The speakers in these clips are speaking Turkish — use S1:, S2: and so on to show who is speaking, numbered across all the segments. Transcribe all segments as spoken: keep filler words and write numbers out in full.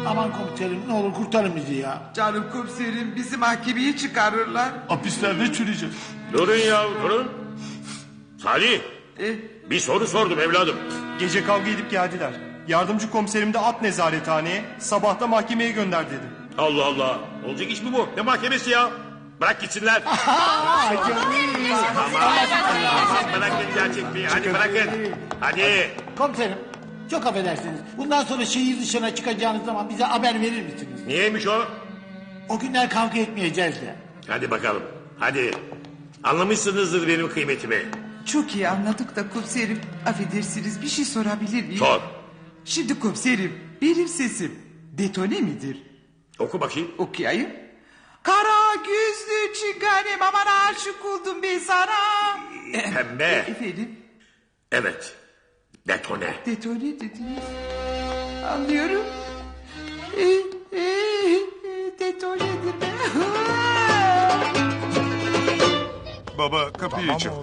S1: Aman komiserim ne olur kurtarın bizi ya.
S2: Canım komiserim bizi mahkemeye çıkarırlar.
S1: Hapislerde çürüyeceğiz.
S3: Durun ya durun. Salih
S2: E,
S3: bir soru sordum evladım.
S4: Gece kavga edip geldiler. Yardımcı komiserim de at nezarethaneye, sabah da mahkemeye gönder dedi.
S3: Allah Allah. Olacak iş mi bu? Ne mahkemesi ya? Bırak gitsinler. Tamam. Tamam bırakın gerçekliği. Hadi bırakın. Hadi.
S1: Komiserim çok affedersiniz. Bundan sonra şehir dışına çıkacağınız zaman bize haber verir misiniz?
S3: Niyeymiş o?
S1: O günler kavga etmeyeceğiz de.
S3: Hadi bakalım. Hadi. Anlamışsınızdır benim kıymetimi.
S2: çok iyi anladık da komiserim. Affedersiniz bir şey sorabilir miyim?
S3: Sor.
S2: Şimdi komiserim benim sesim detone midir?
S3: Oku bakayım.
S2: Okuyayım. Kara gözlü çinganem aman aşık oldum ben sana.
S3: Pembe.
S2: Efendim
S3: Evet. Detone.
S2: detone dediniz. Anlıyorum. E, e, detonedir be.
S5: Baba kapıyı çal.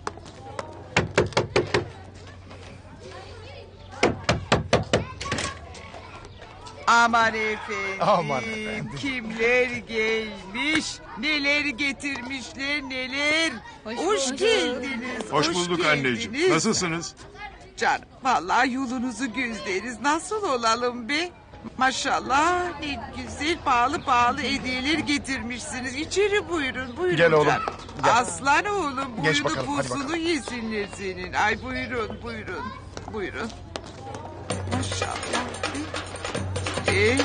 S2: Aman efendim.
S5: Aman efendim.
S2: Kimler gelmiş, neler getirmişler neler. Hoş,
S6: bulduk.
S2: geldiniz.
S5: Hoş bulduk anneciğim.
S2: geldiniz.
S5: Nasılsınız?
S2: Canım vallahi yolunuzu gözleriz. Nasıl olalım be? Maşallah ne güzel pahalı pahalı hediyeler getirmişsiniz. İçeri buyurun buyurun.
S5: Gel oğlum,
S2: canım.
S5: gel.
S2: Aslan oğlum
S5: Geç
S2: buyurun
S5: bakalım, hadi
S2: buzunu
S5: bakalım.
S2: yesinler senin. Ay buyurun buyurun buyurun. Maşallah. Ee,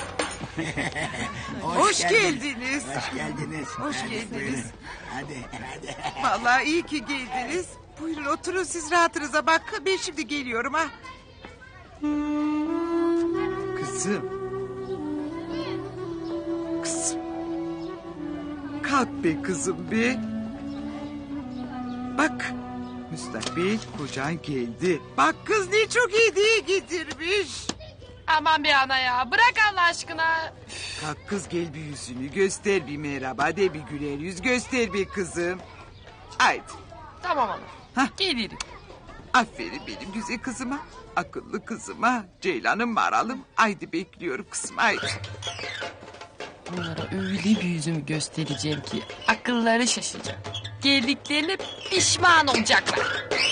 S2: hoş, geldiniz.
S1: Hoş geldiniz.
S2: Hoş geldiniz.
S1: Hadi hadi.
S2: Vallahi iyi ki geldiniz. Buyurun oturun siz rahatınıza bak. Ben şimdi geliyorum ha. Kızım. Kızım. Kalk be kızım be. Bak. Müstakbel kocan geldi. Bak kız ne çok hediye getirmiş.
S6: Aman be ana ya bırak Allah aşkına.
S2: Kalk kız gel bir yüzünü göster bir merhaba de bir güler yüz göster bir kızım. Haydi.
S6: Tamam ana.
S2: Hah.
S6: Gelirim.
S2: Aferin benim güzel kızıma. Akıllı kızıma. Ceylan'ım maralım. Haydi bekliyorum kızım haydi.
S6: Onlara öyle bir yüzümü göstereceğim ki akılları şaşacak. Geldiklerine pişman olacaklar.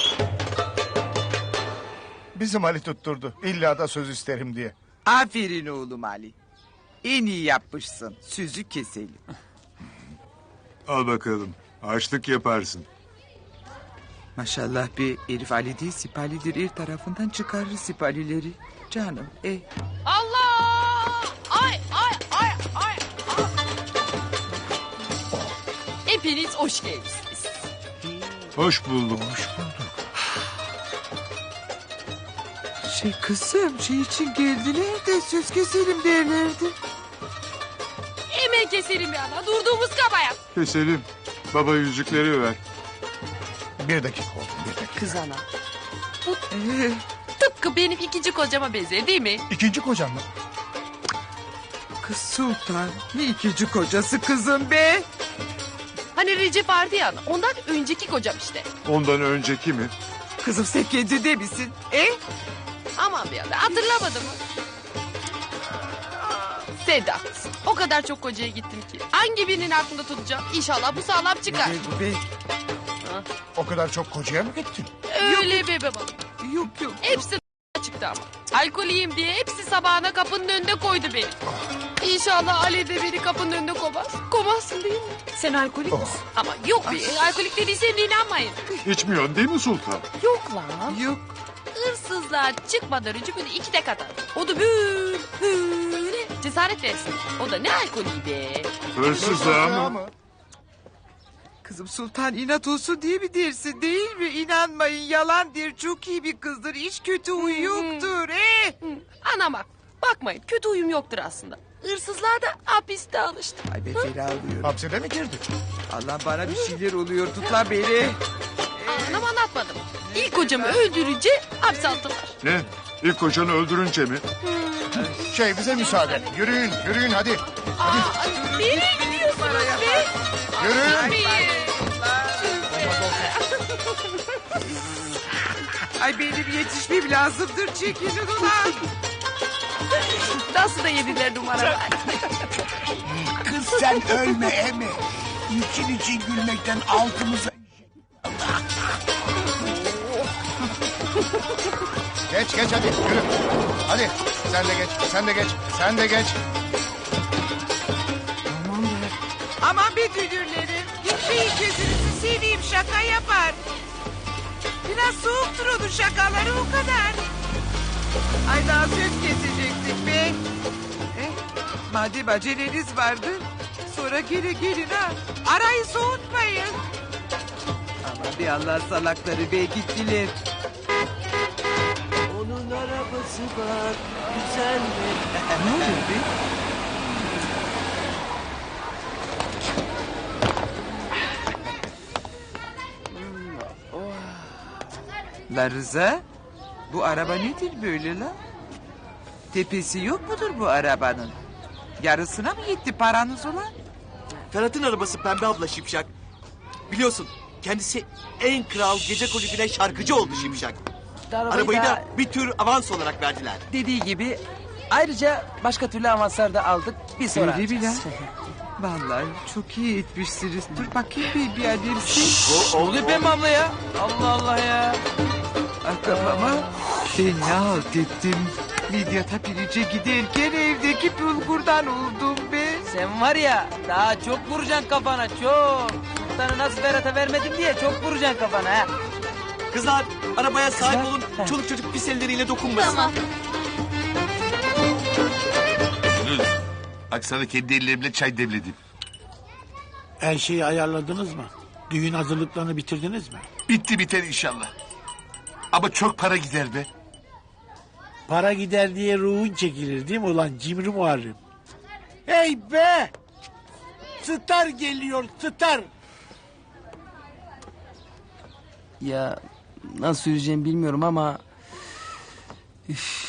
S5: Bizim Ali tutturdu. İlla da söz isterim diye.
S2: Aferin oğlum Ali. En iyi yapmışsın. Sözü keselim.
S5: Al bakalım. Açlık yaparsın.
S2: Maşallah bir herif Ali değil sipalidir. Her tarafından çıkarır sipalileri. Canım e.
S6: Allah! Ay ay ay ay. ay. Hepiniz hoş geldiniz.
S5: Hoş bulduk. Hoş
S2: Şey kızım şey için geldiler de söz keselim derlerdi.
S6: Hemen keselim bir ana. Durduğumuz kabahat.
S5: Keselim. Baba yüzükleri ver.
S7: Bir dakika oğlum, bir dakika.
S6: Kız ana.
S2: Ee,
S6: Tıpkı benim ikinci kocama benzer değil mi?
S7: İkinci kocam mı?
S2: kız Sultan ne ikinci kocası kızım be.
S6: Hani Recep vardı ya ana. Ondan önceki kocam işte.
S5: Ondan önceki mi?
S2: Kızım sen kendinde misin? E?
S6: Aman bir ana hatırlamadım mı? Sen de haklısın. O kadar çok kocaya gittim ki. Hangi birinin aklında tutacağım? İnşallah bu sağlam çıkar.
S2: Ne bu be?
S7: O kadar çok kocaya mı gittin?
S6: Öyle be babalım.
S2: Yok yok.
S6: Hepsi çıktı ama. Alkoliyim diye hepsi sabahına kapının önünde koydu beni. İnşallah Ali de beni kapının önünde kovmaz. Kovmazsın değil mi? Sen alkolik misin? Ama yok be. Alkolik dediysem de inanmayın.
S5: İçmiyorsun değil mi Sultan?
S6: Yok lan.
S2: Yok.
S6: Hırsızlar çıkmadan önce böyle iki tek atar. O da böyle, böyle cesaret versin. O da ne alkolü be.
S5: Hırsızlığa mı?
S2: Kızım Sultan inat olsun diye mi dersin değil mi? İnanmayın yalandır. Çok iyi bir kızdır. Hiç kötü huyu yoktur. Eh?
S6: Hı, Ana bak. Bakmayın kötü uyum yoktur aslında. Hırsızlar da hapiste alıştı.
S2: Ay ben fena alıyorum.
S7: Hapsede mi girdi?
S2: Allah bana bir şeyler oluyor. Tut lan beni.
S6: Anlam anlatmadım. İlk kocamı öldürünce hapse attılar.
S5: Ne? İlk kocanı öldürünce mi?
S7: Şey bize müsaade. Yürüyün, yürüyün hadi.
S6: Aa, nereye gidiyorsunuz be?
S7: Yürüyün.
S2: Ay benim yetişmem lazımdır. Çekilin ulan.
S6: Nasıl da yediler numaralar.
S8: Kız sen ölme emi. İçin için gülmekten altımıza...
S5: Geç geç hadi yürü. Hadi sen de geç sen de geç sen de geç.
S2: Aman be dünürlerim. Gitmeyin gözünüzü seveyim şaka yapar. Biraz soğuktur onun şakaları o kadar. Ay daha söz kesecektik be. Eh, madem aceleniz vardı. Sonra geri gelin ha. Arayı soğutmayın. Ama bir Allah salakları be gittiler.
S9: Onun arabası var, güzel mi?
S2: Ne oluyor be? La Rıza, bu araba nedir böyle la? Tepesi yok mudur bu arabanın? Yarısına mı yetti paranız ulan?
S9: Ferhat'ın arabası Pembe abla Şipşak. Biliyorsun kendisi en kral gece kulübüne şarkıcı oldu Şipşak. Arabayı da bir tür avans olarak verdiler.
S10: Dediği gibi ayrıca başka türlü avanslar da aldık. Bir sonra
S2: Öyle mi lan?
S10: alacağız.
S2: Vallahi çok iyi etmişsiniz. Dur bakayım bir bir adersin.
S10: Ne oluyor Pembe abla ya? Allah Allah ya.
S2: Ah kafama. Ben ne halt ettim? Midyat'a pirince giderken evdeki bulgurdan oldum be.
S10: Sen var ya daha çok vuracaksın kafana çok. Sultanı nasıl Ferhat'a vermedim diye çok vuracaksın kafana ha.
S9: Kızlar arabaya sahip
S10: Kızlar,
S9: olun.
S10: heh.
S9: Çoluk çocuk pis elleriyle dokunmasın.
S6: Tamam.
S3: Bak sana kendi ellerimle çay demledim.
S1: Her şeyi ayarladınız mı? Düğün hazırlıklarını bitirdiniz mi?
S3: Bitti biter inşallah. Ama çok para gider be.
S1: Para gider diye ruhun çekilir değil mi ulan cimri Muharrem? Hey be! Star geliyor star!
S10: Ya nasıl söyleyeceğimi bilmiyorum ama... Üf.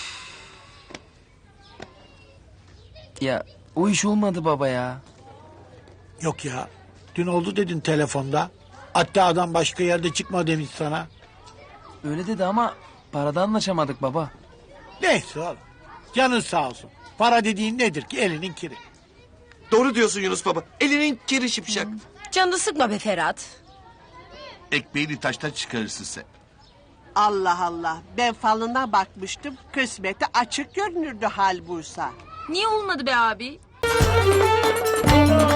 S10: Ya o iş olmadı baba ya.
S1: Yok ya. Dün oldu dedin telefonda. Hatta adam başka yerde çıkma demiş sana.
S10: Öyle dedi ama parada anlaşamadık baba.
S1: Neyse oğlum. Canın sağ olsun. Para dediğin nedir ki elinin kiri.
S9: Doğru diyorsun Yunus baba. Elinin kiri Şipşak.
S6: Canını sıkma be Ferhat.
S3: Ekmeğini taştan çıkarırsın sen.
S11: Allah Allah. Ben falına bakmıştım. Kısmeti açık görünürdü hal buysa.
S6: Niye olmadı be abi?